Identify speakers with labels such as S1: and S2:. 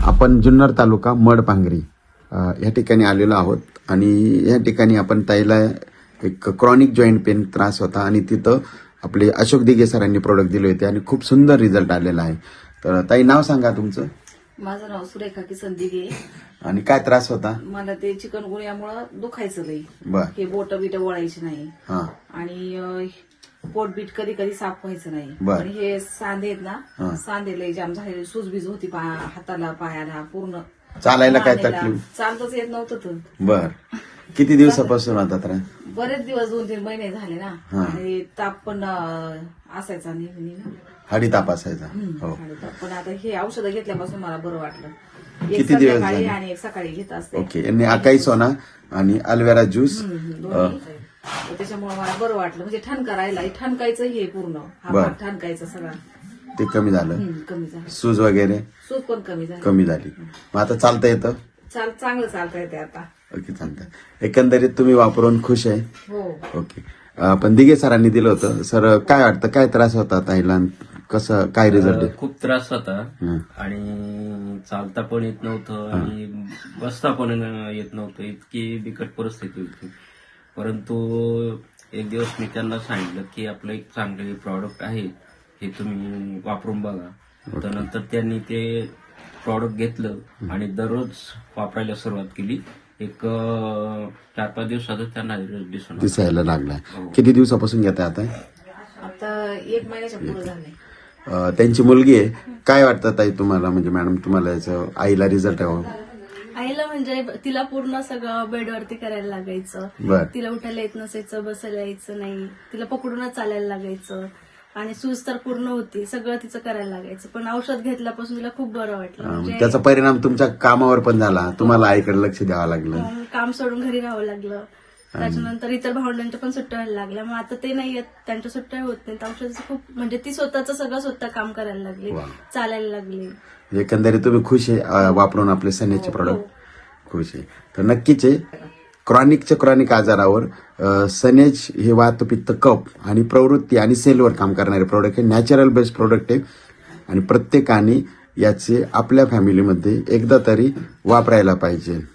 S1: आपण जुन्नर तालुका मडपांगरी या ठिकाणी आलेलो आहोत आणि या ठिकाणी आपण ताईला एक क्रॉनिक जॉईंट पेन त्रास होता आणि तिथं आपले अशोक दिघे सरांनी प्रोडक्ट दिले होते आणि खूप सुंदर रिझल्ट आलेला आहे. तर ताई नाव सांगा तुमचं.
S2: माझं नाव सुरेखा किसन दिघे.
S1: आणि काय त्रास होता?
S2: मला ते चिकनगुन्यामुळं दुखायचं लई.
S1: बर.
S2: हे बोट बिट वळायची नाही
S1: हा.
S2: आणि पोट बीट कधी कधी साफ व्हायचं नाही.
S1: बर.
S2: आणि हे सांधे आहेत
S1: हा.
S2: ना, सांधे लई जाम झाले, सूजबीज होती हाताला पायाला पूर्ण.
S1: चालायला काय
S2: मानेला.
S1: तकलीफ?
S2: चालताच येत नव्हतं तर.
S1: बर. किती दिवसापासून होता त्रास?
S2: बरेच दिवस 2-3 महिने झाले ना.
S1: हा.
S2: आणि ताप पण असायचा नेहमी ना.
S1: हाडी ताप असायचा. हो.
S2: आणि ताप पण आता हे औषधं घेतल्यापासून मला बरं वाटलं. एक
S1: किती दिवस
S2: संध्याकाळी
S1: झाले?
S2: आणि एक सकाळी घेत असते.
S1: ओके. यांनी अकाई सोना आणि अल्वेरा ज्यूस.
S2: दोन्ही. तर त्याच्यामुळे मला बरं वाटलं. म्हणजे ठणका राहिला, ठणकायचं हे पूर्ण हा
S1: बर.
S2: भाग ठणकायचं सगळा
S1: ते कमी झालं.
S2: कमी झालं.
S1: सूज वगैरे
S2: सूज पण कमी झाली.
S1: कमी झाली. मग आता चालता येतं?
S2: चांगलं चालता येते आता.
S1: ओके, चालतं. एकंदरीत तुम्ही वापरून खुश आहे?
S2: हो.
S1: ओके. पण दिघे सरांनी दिलं होतं. सर काय वाटतं, काय त्रास होता ताईला? कसं काय रिझल्ट आहे?
S3: खूप त्रास होता
S1: हं.
S3: आणि चालता पण येत नव्हतं आणि बसता पण येत नव्हतं. इतकी बिकट परिस्थिती होती. परंतु एक दिवस मी त्यांना सांगितलं की आपलं एक चांगले प्रॉडक्ट आहे, हे तुम्ही वापरून बघा. तर नंतर त्यांनी ते प्रॉडक्ट घेतलं आणि दररोज वापरायला सुरुवात केली. एक 4-5 दिवसातच त्यांना रिझल्ट दिसून आला.
S1: दिसायला लागलाय.
S3: हो.
S1: किती दिवसापासून घेताय आता?
S2: आता 1 महिन्याच्या पुढे झाले.
S1: त्यांची मुलगी आहे. काय वाटतं ताई तुम्हाला, म्हणजे मॅडम तुम्हाला याचं आईला रिझल्ट आहे?
S4: आईला म्हणजे तिला पूर्ण सगळं बेडवरती करायला लागायचं.
S1: बर.
S4: तिला उठायला येत नसायचं, बसायला यायचं नाही, तिला पकडूनच चालायला लागायचं आणि सूज तर पूर्ण होती, सगळं तिचं करायला लागायचं. पण औषध घेतल्यापासून तिला खूप बरं वाटलं. म्हणजे
S1: त्याचा परिणाम तुमच्या कामावर पण झाला. तुम्हाला आईकडे लक्ष द्यावं लागलं.
S4: काम सोडून घरी राहावं लागलं. त्याच्यानंतर इतर भावंडांच्या पण सुट्ट्या व्हायला लागल्या. मग आता ते नाही येत, त्यांच्या सुट्ट्या होत नाहीत. औषधाचं खूप म्हणजे ती स्वतःचं सगळं स्वतः काम करायला लागली,
S1: वा.
S4: चालायला लागली.
S1: एकंदरीत तुम्ही खुश आहे वापरून आपले सनेजचे प्रोडक्ट? खुश आहे. तर नक्कीच आहे. क्रॉनिक आजारावर सनेज हे वात, पित्त, कफ आणि प्रवृत्ती आणि सेलवर काम करणारे प्रोडक्ट आहे. नॅचरल बेस्ड प्रोडक्ट आहे आणि प्रत्येकाने याचे आपल्या फॅमिलीमध्ये एकदा तरी वापरायला पाहिजे.